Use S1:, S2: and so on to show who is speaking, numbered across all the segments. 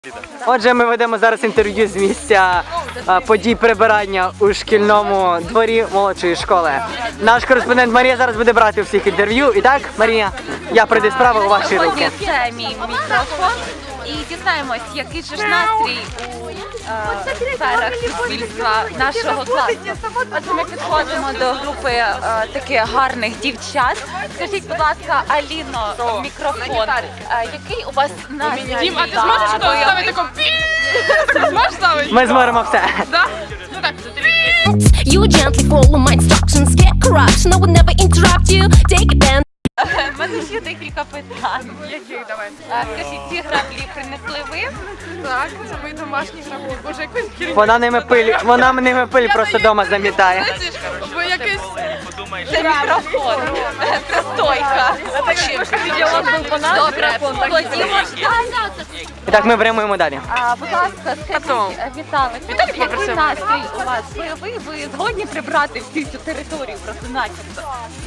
S1: Отже, ми ведемо зараз інтерв'ю з місця подій прибирання у шкільному дворі молодшої школи. Наш кореспондент Марія зараз буде брати у всіх інтерв'ю. І так, Марія, я прийду справу у ваші руки.
S2: Це мій мікрофон. І дізнаємось, який же ж настрій у сферах суспільства нашого класу. Отже, ми підходимо до групи таких гарних дівчат. Скажіть, будь ласка, Аліно, мікрофон. Який у вас настрій?
S3: Дім, а ти зможеш ставити таку пі? Зможеш ставити?
S1: Ми зможемо все.
S3: Да? Ну так.
S4: You gently follow my instructions, get corruption, I will never interrupt you. Take it down.
S2: У мене ще декілька питань.
S3: Яких давай?
S2: Скажіть, ці граблі принесли ви?
S3: Так, це мої домашні граблі. Боже, якось керівник.
S1: Вона ними пиль просто вдома замітає.
S3: Ви якийсь...
S2: Це мікрофон. Це стойка. Добре, ходімо.
S1: І так, ми прямуємо далі.
S2: Будь ласка, скажіть, Віталик, який настрій у вас? Ви згодні прибрати всю цю територію просто начебто?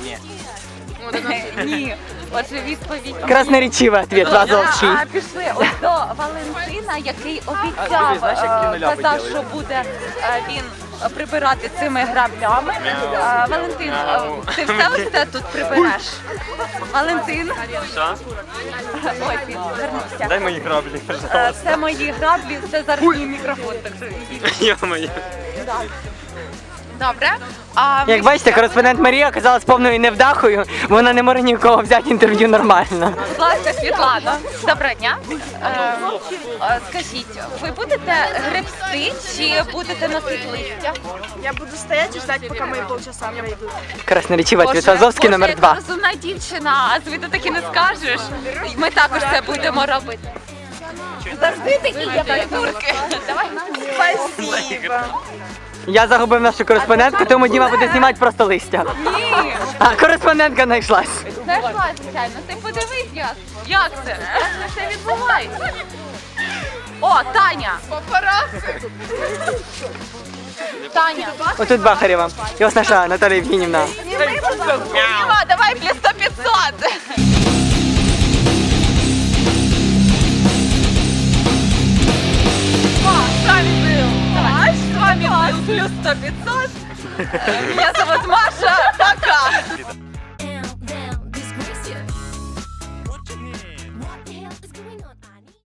S2: Ні. Отже, відповідь.
S1: Красноречивий відповідь, Лазовчий.
S2: Пішли ось до Валентина, який обіцяв, казав, що буде він прибирати цими граблями. Валентин, ти все ось це тут прибереш? Валентин?
S5: Що?
S2: Ой, він звернувся.
S5: Дай мої граблі, пожалуйста.
S2: Це мої граблі, це зараз мій мікрофон, так що ідіть.
S5: Йо-моє.
S2: Добре.
S1: Як бачите, кореспондент Марія оказалась повною невдахою. Вона не може ні в кого взяти інтерв'ю нормально.
S2: Будь ласка, Світлана, доброго дня. Скажіть, ви будете гребсти чи будете носити листя?
S3: Я буду стоять і ждать, поки мої полчаса пройдуть.
S1: Красноречивий відповідь, Лазовський номер 2.
S2: Боже, яка розумна дівчина, а звідти таки не скажеш. Ми також це будемо робити. Завжди такі є придурки. Давай. Спасибо.
S1: Я загубив нашу кореспондентку, тому Діма буде знімати просто листя.
S2: Ні.
S1: А кореспондентка знайшлась.
S2: Знайшла, звичайно. Ти подивись, як це? Як це відбувається? О, Таня!
S3: Папараці!
S2: Таня!
S1: Отут Бахарєва. І ось наша Наталія Євгенівна.
S2: Діма, давай плюс 100-500! С вами был плюс 100-500. Меня зовут Маша.